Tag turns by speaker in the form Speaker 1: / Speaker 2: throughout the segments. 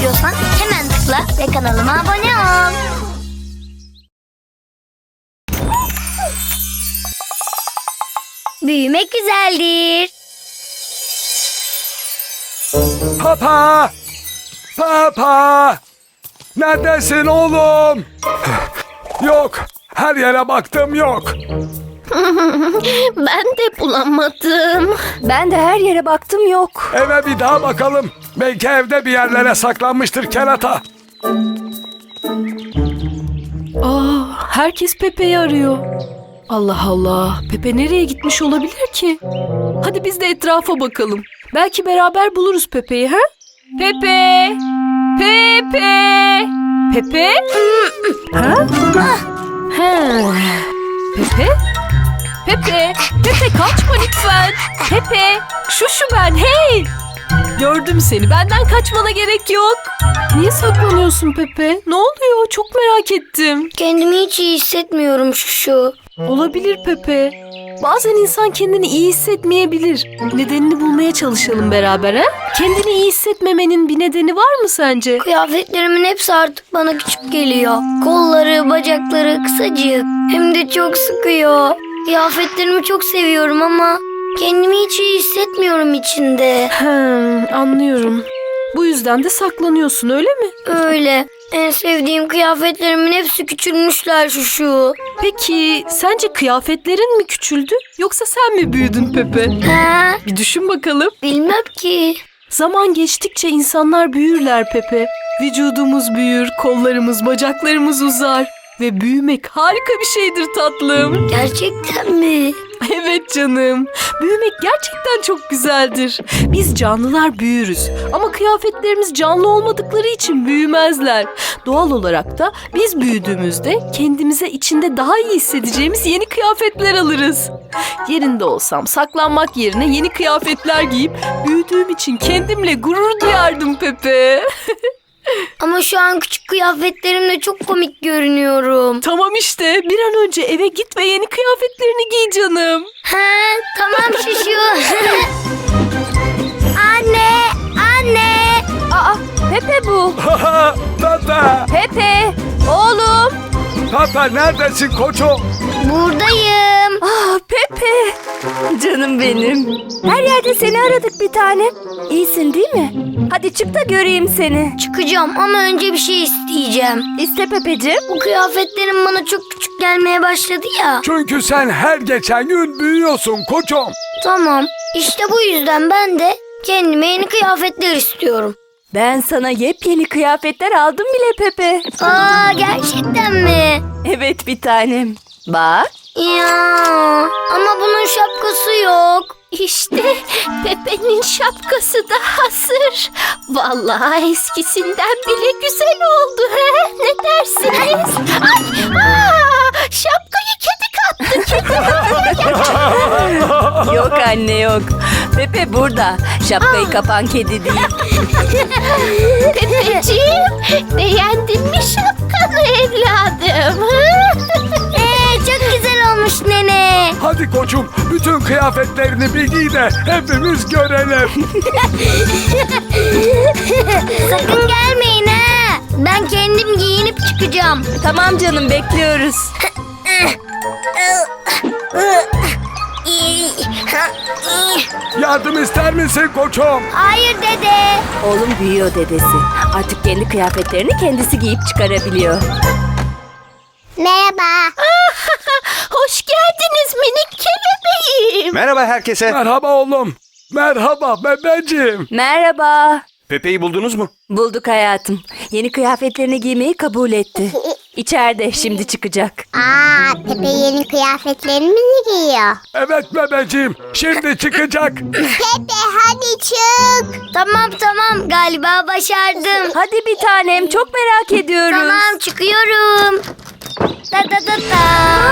Speaker 1: istiyorsan hemen tıkla ve kanalıma abone ol. Büyümek güzeldir.
Speaker 2: Papa! Papa! Neredesin oğlum? Yok. Her yere baktım yok.
Speaker 3: Ben de bulamadım. Ben de her yere baktım yok.
Speaker 2: Eve bir daha bakalım. Belki evde bir yerlere saklanmıştır kerata.
Speaker 3: Herkes Pepe'yi arıyor. Allah Allah. Pepe nereye gitmiş olabilir ki? Hadi biz de etrafa bakalım. Belki beraber buluruz Pepe'yi, ha? Pepe! Pepe! Pepe? Ha? He. Pepe? Pepe! Pepe kaçma lütfen! Pepe! Şu ben, hey! Gördüm seni. Benden kaçmana gerek yok. Niye saklanıyorsun Pepe? Ne oluyor? Çok merak ettim.
Speaker 1: Kendimi hiç iyi hissetmiyorum şu.
Speaker 3: Olabilir Pepe. Bazen insan kendini iyi hissetmeyebilir. Nedenini bulmaya çalışalım beraber, ha? Kendini iyi hissetmemenin bir nedeni var mı sence?
Speaker 1: Kıyafetlerimin hepsi artık bana küçük geliyor. Kolları, bacakları kısacık. Hem de çok sıkıyor. Kıyafetlerimi çok seviyorum ama kendimi hiç iyi hissetmiyorum içinde.
Speaker 3: Anlıyorum. Bu yüzden de saklanıyorsun, öyle mi?
Speaker 1: Öyle. En sevdiğim kıyafetlerimin hepsi küçülmüşler şu.
Speaker 3: Peki sence kıyafetlerin mi küçüldü yoksa sen mi büyüdün Pepe?
Speaker 1: He?
Speaker 3: Bir düşün bakalım.
Speaker 1: Bilmem ki.
Speaker 3: Zaman geçtikçe insanlar büyürler Pepe. Vücudumuz büyür, kollarımız, bacaklarımız uzar. Ve büyümek harika bir şeydir tatlım.
Speaker 1: Gerçekten mi?
Speaker 3: Evet canım. Büyümek gerçekten çok güzeldir. Biz canlılar büyürüz. Ama kıyafetlerimiz canlı olmadıkları için büyümezler. Doğal olarak da biz büyüdüğümüzde kendimize içinde daha iyi hissedeceğimiz yeni kıyafetler alırız. Yerinde olsam saklanmak yerine yeni kıyafetler giyip büyüdüğüm için kendimle gurur duyardım Pepe.
Speaker 1: Ama şu an küçük kıyafetlerimle çok komik görünüyorum.
Speaker 3: Tamam işte, bir an önce eve git ve yeni kıyafetlerini giy canım.
Speaker 1: He, tamam şuşu. Anne, anne.
Speaker 3: Aa, Pepe bu.
Speaker 2: Tata!
Speaker 3: Pepe, oğlum.
Speaker 2: Tata neredesin koçum?
Speaker 1: Buradayım.
Speaker 3: Pepe. Canım benim. Her yerde seni aradık bir tane. İyisin değil mi? Hadi çık da göreyim seni.
Speaker 1: Çıkacağım ama önce bir şey isteyeceğim.
Speaker 3: İste Pepeciğim.
Speaker 1: Bu kıyafetlerim bana çok küçük gelmeye başladı ya.
Speaker 2: Çünkü sen her geçen gün büyüyorsun koçum.
Speaker 1: Tamam. İşte bu yüzden ben de kendime yeni kıyafetler istiyorum.
Speaker 3: Ben sana yepyeni kıyafetler aldım bile Pepe.
Speaker 1: Aa, gerçekten mi?
Speaker 3: Evet bir tanem. Bak.
Speaker 1: Ya, ama bunun şapkası yok.
Speaker 3: İşte Pepe'nin şapkası da hazır. Vallahi eskisinden bile güzel oldu. He? Ne dersiniz? Şapkayı kedi kattı. Yok anne yok. Pepe burada. Şapkayı kapan kedi değil. Pepeciğim, beğendin mi şapkanı evladım?
Speaker 1: Çok güzel olmuş nene.
Speaker 2: Hadi koçum bütün kıyafetlerini bir giy de hepimiz görelim.
Speaker 1: Sakın gelmeyin ha. Ben kendim giyinip çıkacağım.
Speaker 3: Tamam canım, bekliyoruz.
Speaker 2: Yardım ister misin koçum?
Speaker 1: Hayır dede.
Speaker 3: Oğlum büyüyor dedesi. Artık kendi kıyafetlerini kendisi giyip çıkarabiliyor.
Speaker 1: Merhaba.
Speaker 3: Hoş geldiniz minik kelebeğim.
Speaker 4: Merhaba herkese.
Speaker 2: Merhaba oğlum. Merhaba bebeğim.
Speaker 3: Merhaba.
Speaker 4: Pepe'yi buldunuz mu?
Speaker 3: Bulduk hayatım. Yeni kıyafetlerini giymeyi kabul etti. İçeride şimdi çıkacak.
Speaker 5: Pepe yeni kıyafetlerini mi giyiyor?
Speaker 2: Evet bebeğim şimdi çıkacak.
Speaker 5: Pepe hadi çık.
Speaker 1: Tamam galiba başardım.
Speaker 3: Hadi bir tanem, çok merak ediyoruz.
Speaker 1: Tamam çıkıyorum. Da da da da.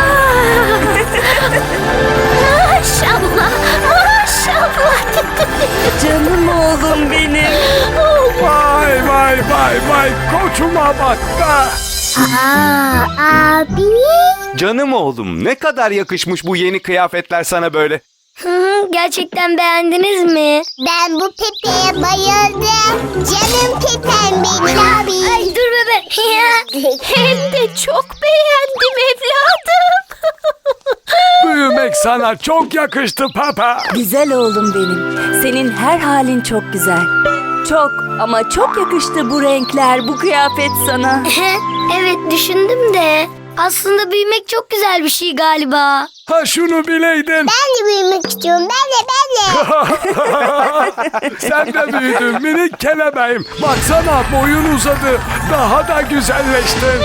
Speaker 3: Maşallah, maşallah. Canım oğlum benim.
Speaker 2: Vay koçuma bak da.
Speaker 5: Abi.
Speaker 4: Canım oğlum, ne kadar yakışmış bu yeni kıyafetler sana böyle.
Speaker 1: Gerçekten beğendiniz mi?
Speaker 5: Ben bu Pepe'ye bayıldım. Canım Pepe'm benim abi.
Speaker 1: Ay dur bebe.
Speaker 3: Hem de çok beğendim evladım.
Speaker 2: Büyümek sana çok yakıştı Pepe.
Speaker 4: Güzel oğlum benim. Senin her halin çok güzel. Çok ama çok yakıştı bu renkler, bu kıyafet sana.
Speaker 1: Evet düşündüm de. Aslında büyümek çok güzel bir şey galiba.
Speaker 2: Ha şunu bileydin.
Speaker 5: Ben de büyümek istiyorum. Ben de.
Speaker 2: Sen de büyüdün minik kelebeğim. Baksana boyun uzadı. Daha da güzelleştin.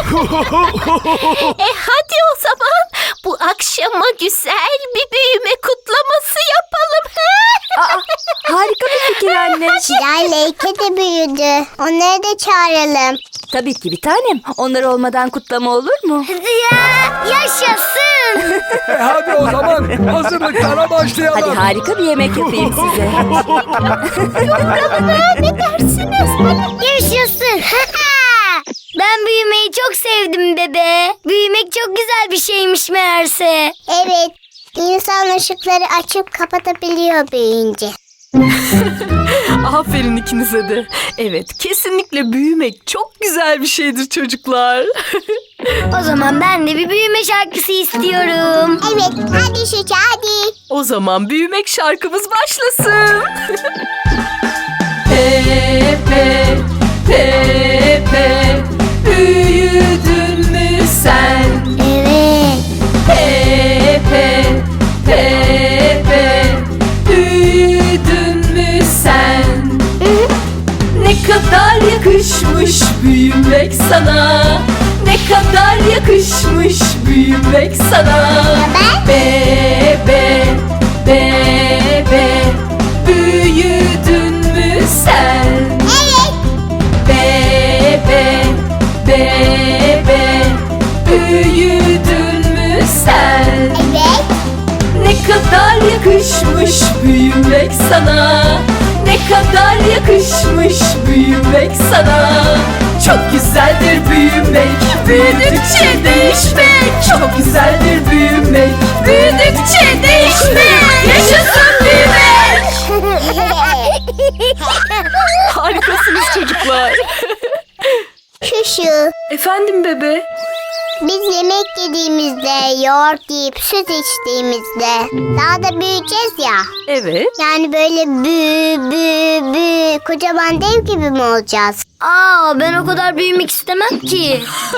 Speaker 3: Hadi o zaman bu akşama güzel bir büyüme kutlaması yapalım.
Speaker 4: Harika bir fikir anne.
Speaker 5: Şiray Leyke de büyüdü. Onları da çağıralım.
Speaker 4: Tabii ki bir tanem. Onlar olmadan kutlama olur mu?
Speaker 1: Ya yaşasın.
Speaker 2: Hadi o zaman hazırlıklara başlayalım.
Speaker 4: Hadi harika bir yemek yapayım size.
Speaker 1: Yaşasın. Ben büyümeyi çok sevdim bebe. Büyümek çok güzel bir şeymiş meğerse.
Speaker 5: Evet. İnsan ışıkları açıp kapatabiliyor büyüyünce.
Speaker 3: Aferin ikinize de. Evet, kesinlikle büyümek çok güzel bir şeydir çocuklar.
Speaker 1: O zaman ben de bir büyüme şarkısı istiyorum.
Speaker 5: Evet. Hadi Şuca hadi.
Speaker 3: O zaman büyümek şarkımız başlasın. Pepe, Pepe, büyüdün mü sen?
Speaker 5: Evet.
Speaker 3: Pepe, Pepe, büyüdün mü sen? Ne kadar yakışmış büyümek sana. Ne kadar yakışmış büyümek sana. Bebe, bebe, büyüdün mü sen?
Speaker 5: Evet.
Speaker 3: Bebe, bebe, büyüdün mü sen?
Speaker 5: Evet.
Speaker 3: Ne kadar yakışmış büyümek sana. Ne kadar yakışmış büyümek sana. Çok güzeldir büyümek, büyüdükçe değişmek. Çok güzeldir büyümek, büyüdükçe değişmek. Yaşasın büyümek. Harikasınız çocuklar.
Speaker 5: Şuşu.
Speaker 3: Efendim bebe?
Speaker 5: Biz yemek yediğimizde, yoğurt yiyip süt içtiğimizde daha da büyüyeceğiz ya.
Speaker 3: Evet.
Speaker 5: Yani böyle kocaman dev gibi mi olacağız?
Speaker 1: Ben o kadar büyümek istemem ki.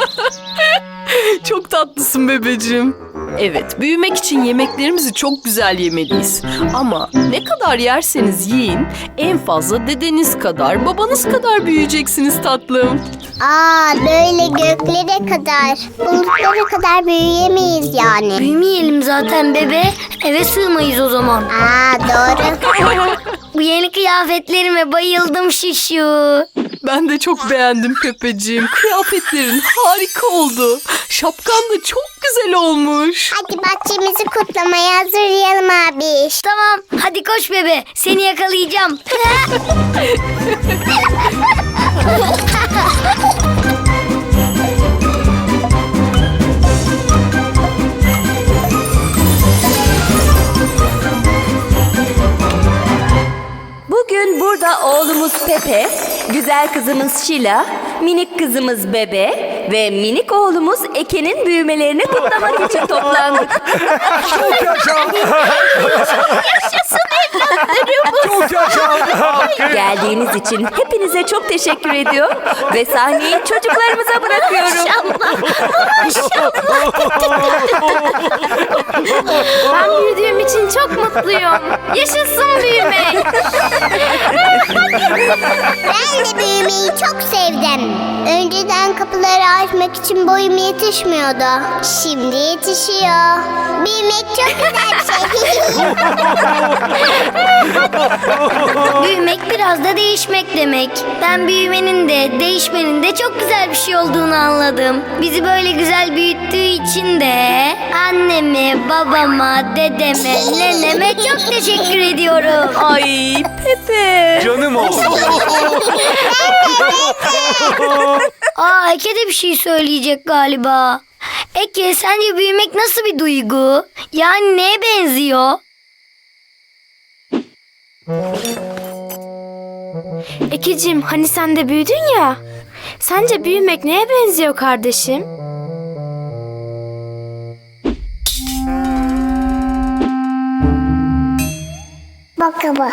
Speaker 3: Çok tatlısın bebeciğim. Evet, büyümek için yemeklerimizi çok güzel yemeliyiz. Ama ne kadar yerseniz yiyin, en fazla dedeniz kadar, babanız kadar büyüyeceksiniz tatlım.
Speaker 5: Böyle göklere kadar, bulutlara kadar büyüyemeyiz yani.
Speaker 1: Büyümeyelim zaten bebe. Eve sığmayız o zaman.
Speaker 5: Doğru.
Speaker 1: Bu yeni kıyafetlerime bayıldım Şişu.
Speaker 3: Ben de çok beğendim Pepeciğim. Kıyafetlerin harika oldu. Şapkan da çok güzel olmuş.
Speaker 5: Hadi bahçemizi kutlamaya hazırlayalım abi.
Speaker 1: Tamam hadi koş bebe. Seni yakalayacağım.
Speaker 4: Bugün burada oğlumuz Pepe, güzel kızımız Şila, minik kızımız Bebe ve minik oğlumuz Eke'nin büyümelerini kutlamak için toplandık.
Speaker 2: Çok yaşa.
Speaker 3: Yaşasın evlatlarım.
Speaker 2: Çok yaşa.
Speaker 4: Geldiğiniz için hepinize çok teşekkür ediyor ve sahneyi çocuklarımıza bırakıyorum.
Speaker 1: Ben büyüdüğüm için çok mutluyum. Yaşasın büyümek.
Speaker 5: Ben de büyümeyi çok sevdim. Önceden kapıları açmak için boyum yetişmiyordu. Şimdi yetişiyor. Büyümek çok güzel bir şey.
Speaker 1: Büyümek biraz da değişmek demek. Ben büyümenin de değişmenin de çok güzel bir şey olduğunu anladım. Bizi böyle güzel büyüttüğü için de anneme, babama, dedeme, neneme çok teşekkür ediyorum.
Speaker 4: Ay Pepe.
Speaker 2: Canım oğlum.
Speaker 1: Eke de bir şey söyleyecek galiba. Eke sence büyümek nasıl bir duygu? Yani neye benziyor?
Speaker 6: Ekeciğim hani sen de büyüdün ya. Sence büyümek neye benziyor kardeşim?
Speaker 5: Bakalım.